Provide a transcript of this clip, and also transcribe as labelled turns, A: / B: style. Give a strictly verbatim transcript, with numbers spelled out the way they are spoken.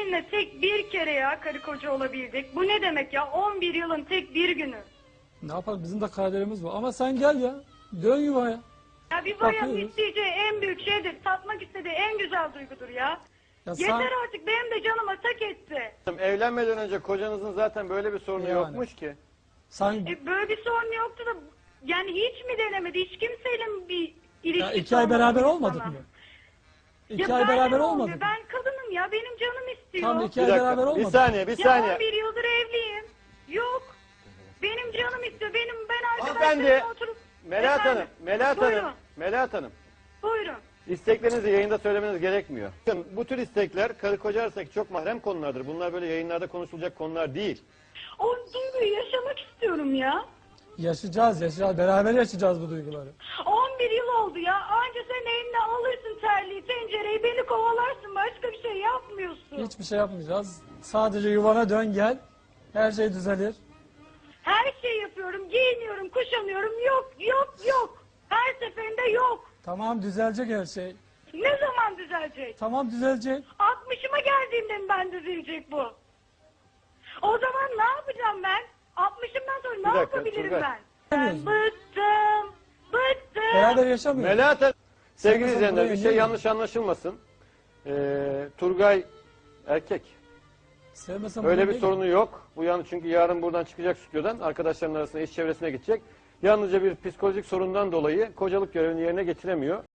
A: seninle tek bir kere ya karı koca olabildik. Bu ne demek ya? on bir yılın tek bir günü.
B: Ne yapalım, bizim de kaderimiz bu. Ama sen gel ya. Dön yuvaya.
A: Ya bir bayanın
B: Bakıyoruz.
A: isteyeceği en büyük şeydir. Tatmak istediği en güzel duygudur ya.
B: Ya sen-
A: Yeter artık, benim de canıma tak etti.
C: Evlenmeden önce kocanızın zaten böyle bir sorunu
B: Yani.
C: yokmuş ki.
B: Sen
A: E, böyle bir sorun yoktu da yani hiç mi denemedi? Hiç kimseyle mi bir ilişkisi
B: ya iki ay
A: olmadı
B: beraber
A: sana?
B: olmadık mı? İki
A: Ya
B: ay
A: benden
B: beraber
A: olmuyor.
B: olmadık mı?
A: Ben kadınım ya, benim canım istiyor.
B: Tam iki
C: Bir
B: ay beraber
C: dakika, bir
B: olmadık.
C: saniye, bir
A: Ya
C: saniye.
A: on bir yıldır evliyim. Yok. Benim canım istiyor. Benim ben
C: Hanımefendi,
A: arkadaşlarımla oturup...
C: Melahat
A: Efendim?
C: Hanım, Melahat
A: Buyurun.
C: Hanım, Melahat Hanım.
A: Buyurun.
C: İsteklerinizi yayında söylemeniz gerekmiyor. Bakın, bu tür istekler karı koca arasındaki çok mahrem konulardır. Bunlar böyle yayınlarda konuşulacak konular değil.
A: O duyguyu yaşamak istiyorum ya.
B: Yaşayacağız, yaşayacağız. Beraber yaşayacağız bu duyguları.
A: on bir yıl oldu ya. Anca sen eline alırsın terliği, tencereyi, beni kovalarsın. Başka bir şey yapmıyorsun.
B: Hiçbir şey yapmayacağız. Sadece yuvana dön gel. Her şey düzelir.
A: Her şeyi yapıyorum. Giyiniyorum, kuşanıyorum. Yok, yok, yok. Her seferinde yok.
B: Tamam, düzelecek her şey.
A: Ne zaman düzelecek?
B: Tamam, düzelecek.
A: altmışıma geldiğimde mi ben düzelecek bu? O zaman ne yapacağım ben? altmışımdan sonra
C: Bir
A: ne
C: dakika,
A: yapabilirim
C: Turgay.
A: ben? Ben
B: Bilmiyoruz.
A: bıktım. Bıktım.
B: Beraber yaşamıyoruz.
C: Melahat Hanım, sevgili
B: Sen
C: izleyenler
B: buraya
C: bir şey
B: niye
C: yanlış anlaşılmasın. Ee, Turgay erkek.
B: Sevmesem
C: Öyle
B: bunu
C: bir
B: değil.
C: sorunu yok. Bu yani çünkü yarın buradan çıkacak stüdyodan arkadaşlarının arasında iş çevresine gidecek. Yalnızca bir psikolojik sorundan dolayı kocalık görevini yerine getiremiyor.